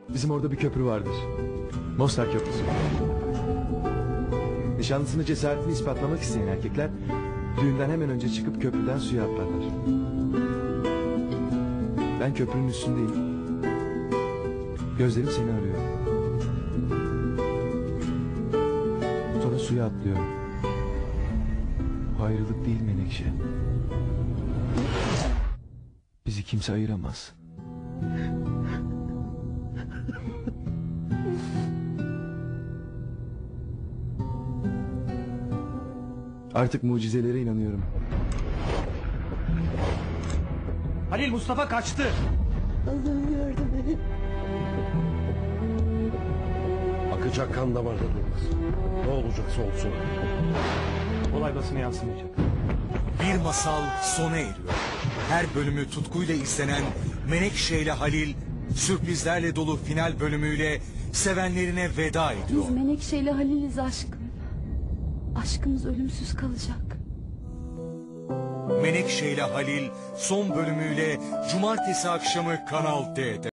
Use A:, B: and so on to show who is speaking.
A: Bizim orada bir köprü vardır. Mostar Köprüsü. Nişanlısını cesaretini ispatlamak isteyen erkekler düğünden hemen önce çıkıp köprüden suya atlarlar. Ben köprünün üstündeyim. Gözlerim seni arıyor. Sonra suya atlıyorum. Bu ayrılık değil Menekşe. Bizi kimse ayıramaz. Artık mucizelere inanıyorum.
B: Halil, Mustafa kaçtı.
C: Allah'ım yardım et.
D: Akacak kan damarda durmaz. Ne olacaksa olsun.
B: Olay basına yansımayacak.
E: Bir masal sona eriyor. Her bölümü tutkuyla izlenen Menekşe ile Halil sürprizlerle dolu final bölümüyle sevenlerine veda ediyor.
C: Biz Menekşe ile Halil'iz aşkım. Aşkımız ölümsüz kalacak.
E: Menekşe ile Halil son bölümüyle cumartesi akşamı Kanal D'de.